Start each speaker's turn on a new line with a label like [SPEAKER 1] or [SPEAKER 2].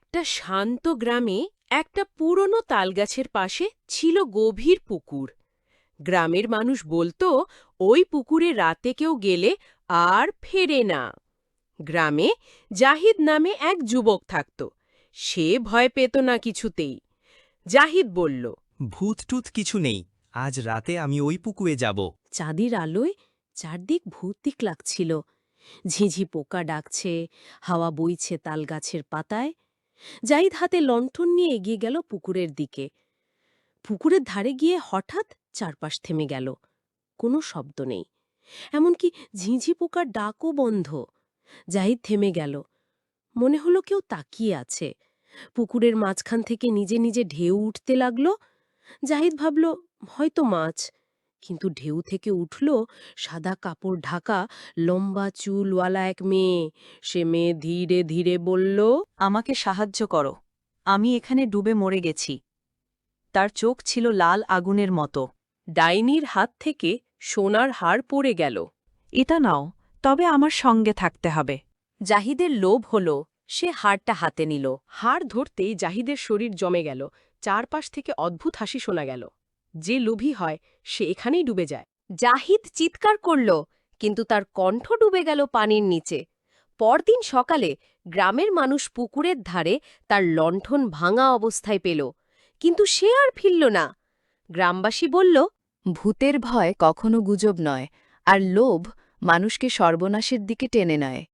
[SPEAKER 1] একটা শান্ত গ্রামে একটা পুরনো তালগাছের পাশে ছিল গভীর পুকুর। গ্রামের মানুষ বলতো ওই পুকুরে রাতে কেউ গেলে আর ফেরে না। গ্রামে জাহিদ নামে এক যুবক থাকত। সে ভয় পেত না কিছুতেই। জাহিদ বলল,
[SPEAKER 2] ভূত-টুত কিছু নেই, আজ রাতে আমি ওই পুকুরে যাব।
[SPEAKER 3] চাঁদের আলোয় চারদিক ভৌতিক লাগছিল। ঝিঝি পোকা ডাকছে, হাওয়া বইছে তালগাছের পাতায়। জাহিদ হাতে লণ্ঠন নিয়ে এগিয়ে গেল পুকুরের দিকে। পুকুরের ধারে গিয়ে হঠাৎ চারপাশ থেমে গেল। কোনো শব্দ নেই, এমনকি ঝিঝি পোকার ডাকও বন্ধ। জাহিদ থেমে গেল। মনে হলো কেউ তাকিয়ে আছে। পুকুরের মাঝখান থেকে নিজে নিজে ঢেউ উঠতে লাগল। জাহিদ ভাবল হয়তো মাছ, কিন্তু ঢেউ থেকে উঠল সাদা কাপড় ঢাকা, লম্বা চুলওয়ালা এক মেয়ে। সে মেয়ে ধীরে ধীরে বলল,
[SPEAKER 4] আমাকে সাহায্য করো, আমি এখানে ডুবে মরে গেছি। তার চোখ ছিল লাল আগুনের মতো।
[SPEAKER 1] ডাইনির হাত থেকে সোনার হার পড়ে গেল।
[SPEAKER 4] এটা নাও, তবে আমার সঙ্গে থাকতে হবে।
[SPEAKER 3] জাহিদের লোভ হল, সে হাড়টা হাতে নিল।
[SPEAKER 1] হাড় ধরতেই জাহিদের শরীর জমে গেল। চারপাশ থেকে অদ্ভুত হাসি শোনা গেল। যে লোভী হয় সে এখানেই ডুবে যায়।
[SPEAKER 3] জাহিদ চিৎকার করল, কিন্তু তার কণ্ঠ ডুবে গেল পানির নিচে। পরদিন সকালে গ্রামের মানুষ পুকুরের ধারে তার লণ্ঠন ভাঙা অবস্থায় পেল, কিন্তু সে আর ফিরল না। গ্রামবাসী বলল,
[SPEAKER 5] ভূতের ভয় কখনো গুজব নয়, আর লোভ মানুষকে সর্বনাশের দিকে টেনে নেয়।